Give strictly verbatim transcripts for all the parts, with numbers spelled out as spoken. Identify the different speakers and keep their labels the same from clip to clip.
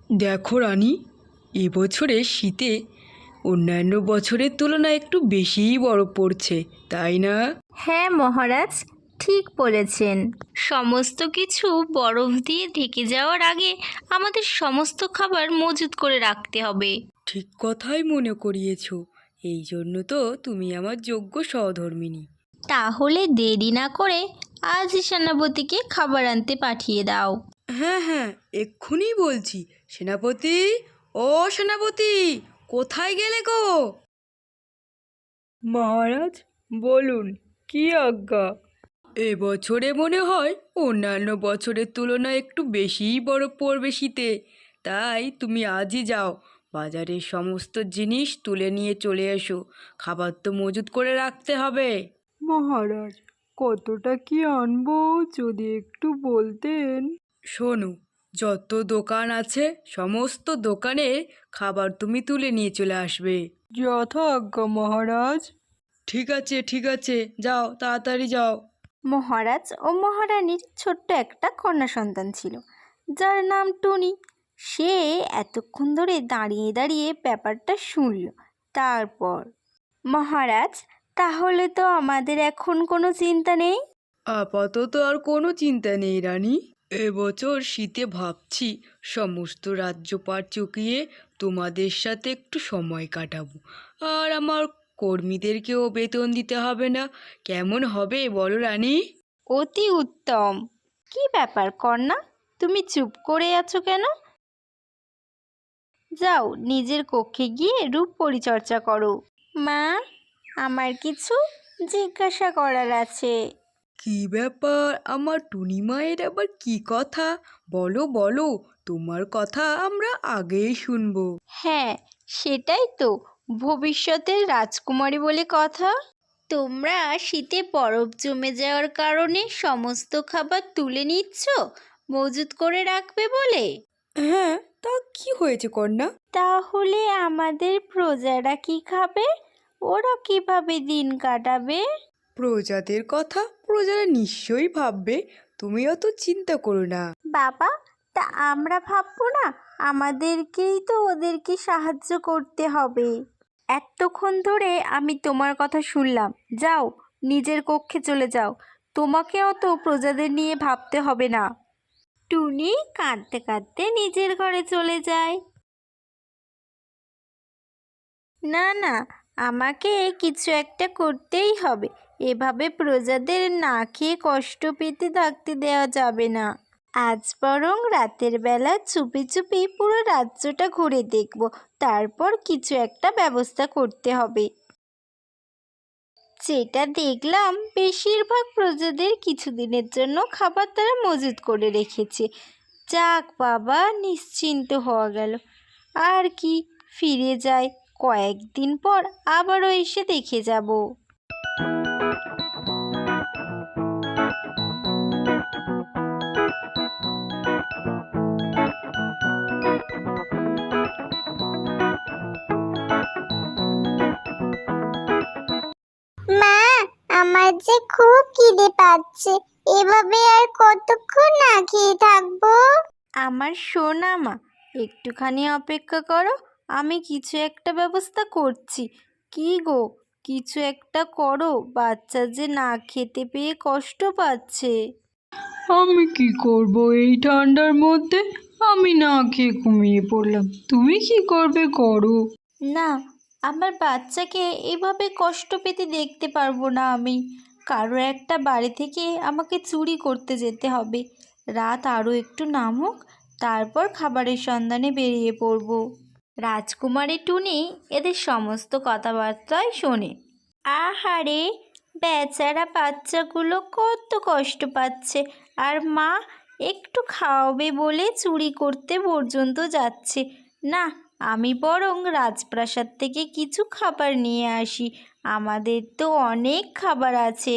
Speaker 1: দেখো রানী, এবছরে শীতে অন্যান্য বছরের তুলনায় একটু বেশিই বরফ পড়ছে, তাই না?
Speaker 2: হ্যাঁ মহারাজ, ঠিক বলেছেন। সমস্ত কিছু বরফ দিয়ে ঢেকে যাওয়ার আগে আমাদের সমস্ত খাবার মজুত করে রাখতে হবে।
Speaker 1: ঠিক কথাই মনে করিয়েছ। এই জন্য তো তুমি আমার যোগ্য সহধর্মিণী।
Speaker 2: তাহলে দেরি না করে আজই সেনাপতিকে খাবার আনতে পাঠিয়ে দাও।
Speaker 1: হ্যাঁ হ্যাঁ, এক্ষুনি বলছি। সেনাপতি, ও সেনাপতি, কোথায় গেলে গো? মহারাজ বলুন, কি আজ্ঞা? এবছরে মনে হয় অন্যান্য বছরের তুলনায় একটু বেশিই বরফ পড়বে শীতে। তাই তুমি আজই যাও, বাজারের সমস্ত জিনিস তুলে নিয়ে চলে এসো। খাবার তো মজুত করে রাখতে হবে।
Speaker 3: মহারাজ, কতটা কি আনবো যদি একটু বলতেন?
Speaker 1: শোনো, যত দোকান আছে সমস্ত দোকানে খাবার তুমি তুলে নিয়ে চলে আসবে।
Speaker 3: যথা আজ্ঞা মহারাজ।
Speaker 1: ঠিক আছে ঠিক আছে, যাও তাড়াতাড়ি যাও।
Speaker 2: মহারাজ ও মহারানীর ছোট্ট একটা কন্যা সন্তান ছিল, যার নাম টুনি। সে এতক্ষণ ধরে দাঁড়িয়ে দাঁড়িয়ে ব্যাপারটা শুনল। তারপর, মহারাজ, তাহলে তো আমাদের এখন কোনো চিন্তা নেই।
Speaker 1: আপাতত আর কোনো চিন্তা নেই রানী। এবছর শীতে ভাবছি সমস্ত রাজ্যপাট চুকিয়ে তোমাদের সাথে একটু সময় কাটাবো। আর আমার কর্মীদেরকেও বেতন দিতে হবে না। কেমন হবে বলো রানী?
Speaker 2: অতি উত্তম। কি ব্যাপার কন্যা, তুমি চুপ করে আছো কেন? যাও নিজের কক্ষে গিয়ে রূপ পরিচর্যা করো। মা, আমার কিছু জিজ্ঞাসা করার আছে।
Speaker 1: কি ব্যাপার আমার টুনি মায়ের আবার কি কথা? বলো বলো, তোমার কথা আমরা আগেই শুনবো।
Speaker 2: হ্যাঁ, সেটাই তো, ভবিষ্যতের রাজকুমারী বলে কথা। তোমরা শীতে বরফ জমে যাওয়ার কারণে সমস্ত খাবার তুলে নিচ্ছ মজুত করে রাখবে বলে।
Speaker 1: হ্যাঁ, তা কি হয়েছে কন্যা?
Speaker 2: তাহলে আমাদের প্রজারা কি খাবে? ওরা কিভাবে দিন কাটাবে?
Speaker 1: প্রজাদের কথা প্রজারা নিশ্চয়ই ভাববে, তুমি অত চিন্তা করো না।
Speaker 2: বাবা, তা আমরা ভাববো না? আমাদেরকেই তো ওদেরকে সাহায্য করতে হবে। এতক্ষণ ধরে আমি তোমার কথা শুনলাম। যাও নিজের কক্ষে চলে যাও, তোমাকে অত প্রজাদের নিয়ে ভাবতে হবে না। টুনি কাঁদতে কাঁদতে নিজের ঘরে চলে যায়। না না, আমাকে কিছু একটা করতেই হবে। এভাবে প্রজাদের না খেয়ে কষ্ট পেতে থাকতে দেওয়া যাবে না। আজ বরং রাতের বেলা চুপি চুপি পুরো রাজ্যটা ঘুরে দেখব, তারপর কিছু একটা ব্যবস্থা করতে হবে। যেটা দেখলাম, বেশিরভাগ প্রজাদের কিছুদিনের জন্য খাবার তারা মজুত করে রেখেছে। যাক বাবা, নিশ্চিন্ত হওয়া গেল। আর কি, ফিরে যাই, কয়েকদিন পর আবারও এসে দেখে যাব।
Speaker 4: মা, আমার যে খুব খিদে পাচ্ছে। এভাবে আর কতক্ষণ না খেয়ে থাকবো?
Speaker 2: আমার সোনা মা, একটুখানি অপেক্ষা করো, আমি কিছু একটা ব্যবস্থা করছি। কি গো, কিছু একটা করো, বাচ্চা যে না খেতে পেয়ে কষ্ট পাচ্ছে।
Speaker 3: আমি কি করব এই ঠান্ডার মধ্যে? আমি না খেয়ে ঘুমিয়ে পড়লাম। তুমি কি করবে করো।
Speaker 2: না, আমার বাচ্চাকে এভাবে কষ্ট পেতে দেখতে পারবো না আমি। কারো একটা বাড়ি থেকে আমাকে চুরি করতে যেতে হবে। রাত আরও একটু নামুক, তারপর খাবারের সন্ধানে বেরিয়ে পড়ব। রাজকুমারী টুনি এদের সমস্ত কথাবার্তাই শোনে। আহারে, বেচারা বাচ্চাগুলো কত কষ্ট পাচ্ছে, আর মা একটু খাওয়াবে বলে চুরি করতে পর্যন্ত যাচ্ছে। না, আমি বরং রাজপ্রাসাদ থেকে কিছু খাবার নিয়ে আসি, আমাদের তো অনেক খাবার আছে।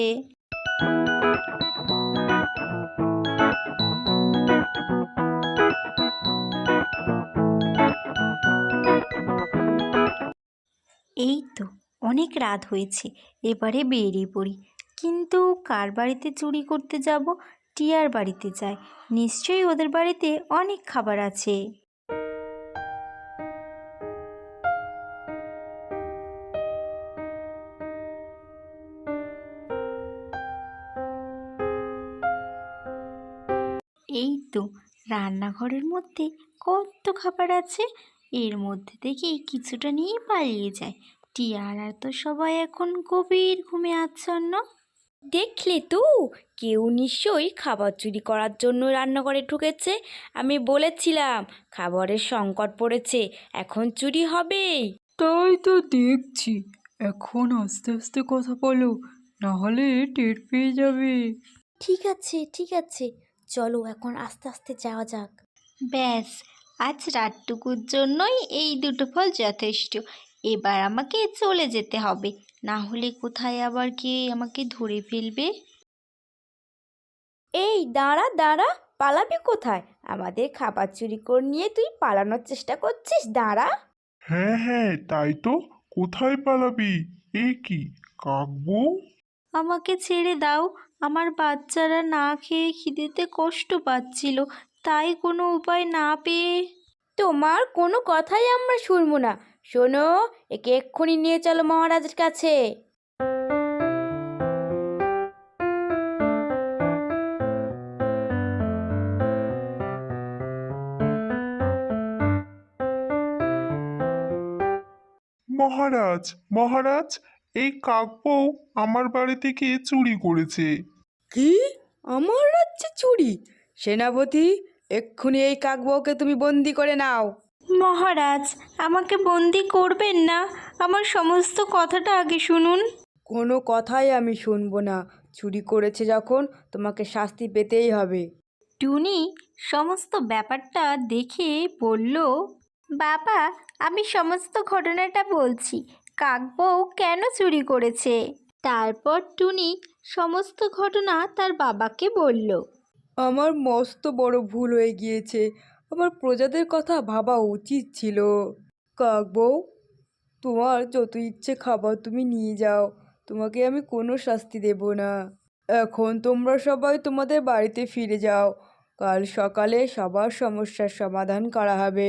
Speaker 2: এই তো, অনেক রাত হয়েছে, এবারে বেরিয়ে পড়ি। কিন্তু কার বাড়িতে চুরি করতে যাব? টিয়ার বাড়িতে যাই, নিশ্চয়ই ওদের বাড়িতে অনেক খাবার আছে। এই তো রান্নাঘরের মধ্যে কত খাবার আছে, এর মধ্যে থেকে কিছুটা নিয়ে পালিয়ে যায়। টিয়ারা তো সবাই এখন গভীর ঘুমে আচ্ছন্ন।
Speaker 5: দেখলে তো, কেউ নিশ্চয়ই খাবার চুরি করার জন্য রান্নাঘরে ঢুকেছে। আমি বলেছিলাম খাবারের সংকট পড়েছে, এখন চুরি হবেই।
Speaker 3: তাই তো দেখছি। এখন আস্তে আস্তে কথা বলো, না হলে টের পেয়ে যাবে।
Speaker 5: ঠিক আছে ঠিক আছে, চলো এখন আস্তে আস্তে যাওয়া যাক।
Speaker 2: ব্যাস, আজ রাতটুকুর জন্যই এই দুটো ফল যথেষ্ট। এবার আমাকে চলে যেতে হবে, না হলে কোথায় আবার কে আমাকে ধরে ফেলবে।
Speaker 5: এই দাঁড়া দাঁড়া, পালাবি কোথায়? আমাদের খাবার চুরি করে নিয়ে তুই পালানোর চেষ্টা করছিস? দাঁড়া।
Speaker 6: হ্যাঁ হ্যাঁ, তাই তো। কোথায় পালাবি? এ কি কাকবউ?
Speaker 2: আমাকে ছেড়ে দাও, আমার বাচ্চারা না খেয়ে খিদেতে কষ্ট পাচ্ছিল, তাই কোনো উপায় না পেয়ে।
Speaker 5: তোমার কোনো কথাই আমরা শুনবো না। শোনো, একে এক্ষুনি নিয়ে চলো মহারাজের কাছে।
Speaker 6: মহারাজ, মহারাজ, এই কাকবউ আমার বাড়ি থেকে চুরি করেছে।
Speaker 1: কি? আমার রাজ্যে চুরি? সেনাপতি, এক্ষুনি এই কাকবউকে তুমি বন্দি করে নাও।
Speaker 2: মহারাজ, আমাকে বন্দি করবেন না, আমার সমস্ত কথাটা আগে শুনুন।
Speaker 1: কোনো কথাই আমি শুনবো না। চুরি করেছে যখন, তোমাকে শাস্তি পেতেই হবে।
Speaker 2: টুনি সমস্ত ব্যাপারটা দেখে বলল, বাবা, আমি সমস্ত ঘটনাটা বলছি, কাকবউ কেন চুরি করেছে। তারপর টুনি সমস্ত ঘটনা তার বাবাকে বলল।
Speaker 1: আমার মস্ত বড় ভুল হয়ে গিয়েছে। আমার প্রজাদের কথা ভাবা উচিত ছিল। কাকবউ, তোমার যত ইচ্ছে খাবার তুমি নিয়ে যাও, তোমাকে আমি কোনো শাস্তি দেব না। এখন তোমরা সবাই তোমাদের বাড়িতে ফিরে যাও। কাল সকালে সবার সমস্যার সমাধান করা হবে।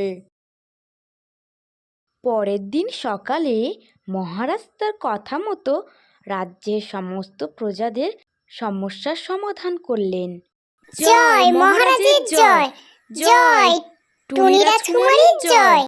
Speaker 5: পরের দিন সকালে মহারাজ তার কথা মতো রাজ্যের সমস্ত প্রজাদের সমস্যার সমাধান করলেন।
Speaker 4: জয় মহারাজের জয়, জয় টুনি রাজকুমারীর জয়।